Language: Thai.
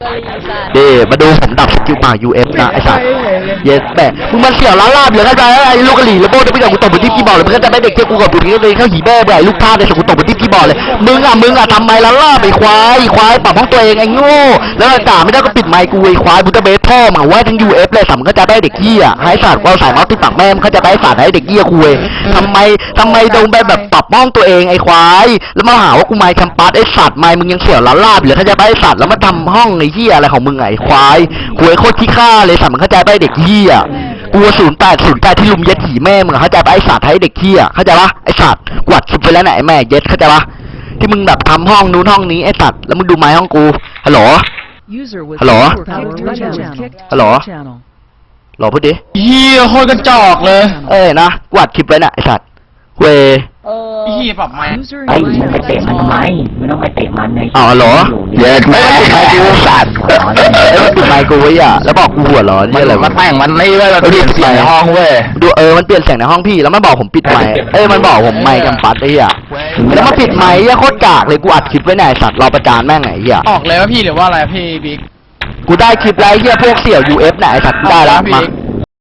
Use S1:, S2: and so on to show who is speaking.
S1: เด้มาดูผมดับสกิลป่า UF นะไอ้สัสเย็ดแบะมึงมันเสี่ยวล้านลาบเหลือเข้าใจไอ้ลูกกะหรี่แล้วโบ้จะไปกับกูตบไปที่พี่บอกเลยมึงก็จะไม่เด็กเจ้ากูกับกูนี่เลยเข้าหีแม่ไอ้ลูกท่าเลยสกูตบไปที่พี่บอกเลยมึงอ่ะทำไมล้านลาบไอ้ควายปรับห้องตัวเองไอ้โง่แล้วด่าไม่ได้ก็ปิดไมค์กูไอ้ควายบูตเบสพ่อมาว่าทั้ง UF เลยสัมก็จะได้เด็กเหี้ยให้สัตว์ว่าสายน็อตที่ปากแม่มันก็จะได้สัตว์ให้เด็กเหี้ยคุยทำไมโดนแบบปรับห้องตัวเองไอ้ควายแล้วมาหาว่ากูไมค์แคมปัสไอ้สัตว์ไมค์มึงยังเสี่ยวล้านลาบเหลือเข้าใจไอ้สัตว์แล้วมาทำห้องไอ้เหี้ยอะไรของมึงไอ้ควายหวยโคตรขี้ข้าเลยสัตว์มันเข้าใจป่ะเด็กเหี้ยกู08ที่ลุมเย็ดหีแม่มึงเข้าใจป่ะไอ้สัตว์ให้เด็กเหี้ยเข้าใจป่ะไอ้สัตว์กวาดสุดไปแล้วไหนแม่เย็ดเข้าใจป่ะที่มึงแบบทำห้องนู้นห้องนี้ไอ้สัตว์แล้วมึงดูไม้ห้องกูฮัลโหลฮัลโหลฮัลโหลหรอพูดดิ
S2: เฮียโคตรกระจอกเลย
S1: นะกวาดคลิปไว้น่ะไอ้สัตว์เว
S2: เฮียปรับไม้
S3: ไอ้มึงไปเตะมันทำไมมึงต้องไปเตะมันใน
S1: อ๋อเหรอเย็ดแม่ปิดไมค์กูสัตว์มันปิดไมค์กูไว้อ่ะแล้วบอกกูหัวร้อนนี่อะไร
S2: มาแต่งมันนี่เว้ยมันเปลี่ยนเสียงในห้องเว้ย
S1: ดูมันเปลี่ยนเสียงในห้องพี่แล้วมันบอกผมปิดไมค์มันบอกผมไมค์กำปัดไอ้เหี้ยแล้วมาปิดไมค์โคตรกากเลยกูอัดคลิปไว้ไหนสัตว์รอประจานแม่งไงเหี้ย
S2: ออกเลยว่าพี่หรือว่าอะไรพี่บิ๊ก
S1: กูได้คลิปไลฟ์เหี้ยพวกเสี่ยว UF ไหนสัตว์ได้แล้วมา